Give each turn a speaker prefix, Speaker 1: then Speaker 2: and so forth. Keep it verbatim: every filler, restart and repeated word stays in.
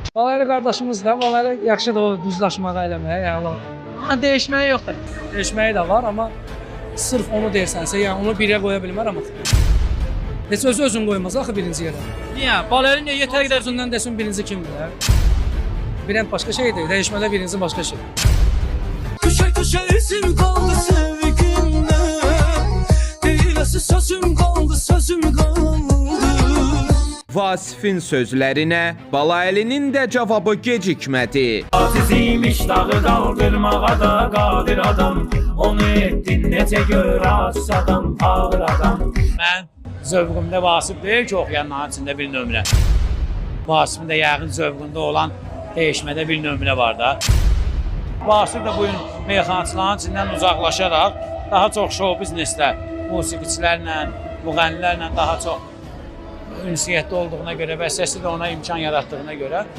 Speaker 1: Balaylı qardaşımız da, balaylı yaxşıdır o düzlaşmağa eləməyə, yəni.
Speaker 2: Ha, dəyişməyi yoxdur.
Speaker 1: Dəyişməyi də var, amma sırf onu deyirsənsə, yəni onu birə qoya bilmərəm axı. Heç özü özün qoymaz axı birinci yerə.
Speaker 2: Niyə? Balaylı niyə yetər qədər
Speaker 1: Özündən desin birinci kimdir, hə? Birən başqa şeydir, dəyişmədə birinci başqa şey.
Speaker 3: Köşe köşe izim kaldı sevgimde, Deylesi sözüm kaldı, sözüm kaldı.
Speaker 4: Vasifin sözlərinə Balayelinin də cavabı gecikmədi.
Speaker 5: Aziziymiş dağı kaldırmağa da qadir adam. Onu etdin necə gör aciz adam, ağır adam.
Speaker 2: Mən zövqümdə Vasif deyil ki, oxuyanların içində bir nömrə. Vasifin də yəqin zövqündə olan dəyişmədə bir nömrə var da. Vasif də bugün meyxanaçıların içindən uzaqlaşaraq daha çox show bizneslə, musiqiçilərlə, müğənnilərlə daha çox ünsiyyətdə olduğuna görə və səsi də ona imkan yaratdığına görə